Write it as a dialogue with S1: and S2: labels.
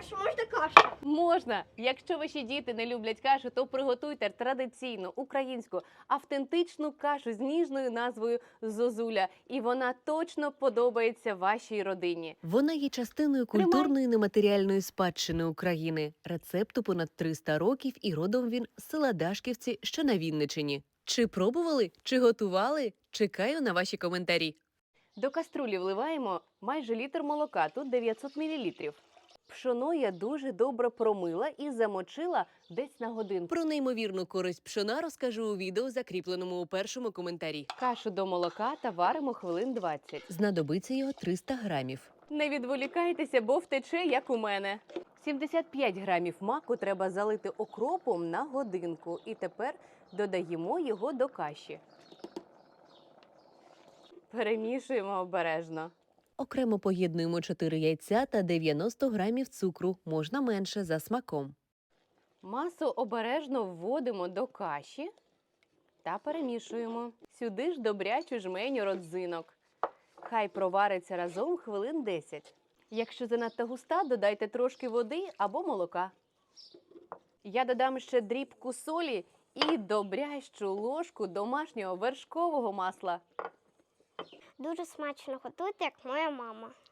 S1: чи можна кашу?
S2: Можна! Якщо ваші діти не люблять кашу, то приготуйте традиційну українську автентичну кашу з ніжною назвою «Зозуля». І вона точно подобається вашій родині.
S3: Вона є частиною культурної нематеріальної спадщини України. Рецепту понад 300 років і родом він з села Дашківці, що на Вінничині. Чи пробували? Чи готували? Чекаю на ваші коментарі.
S2: До каструлі вливаємо майже літр молока, тут 900 мл. Пшоно я дуже добре промила і замочила десь на годинку.
S3: Про неймовірну користь пшона розкажу у відео, закріпленому у першому коментарі.
S2: Кашу до молока та варимо хвилин 20.
S3: Знадобиться його 300 грамів.
S2: Не відволікайтеся, бо втече, як у мене. 75 грамів маку треба залити окропом на годинку. І тепер додаємо його до каші. Перемішуємо обережно.
S3: Окремо поєднуємо 4 яйця та 90 грамів цукру, можна менше, за смаком.
S2: Масу обережно вводимо до каші та перемішуємо. Сюди ж добрячу жменю родзинок. Хай провариться разом хвилин 10. Якщо занадто густа, додайте трошки води або молока. Я додам ще дрібку солі і добрящу ложку домашнього вершкового масла.
S1: Дуже смачно готуйте, як моя мама.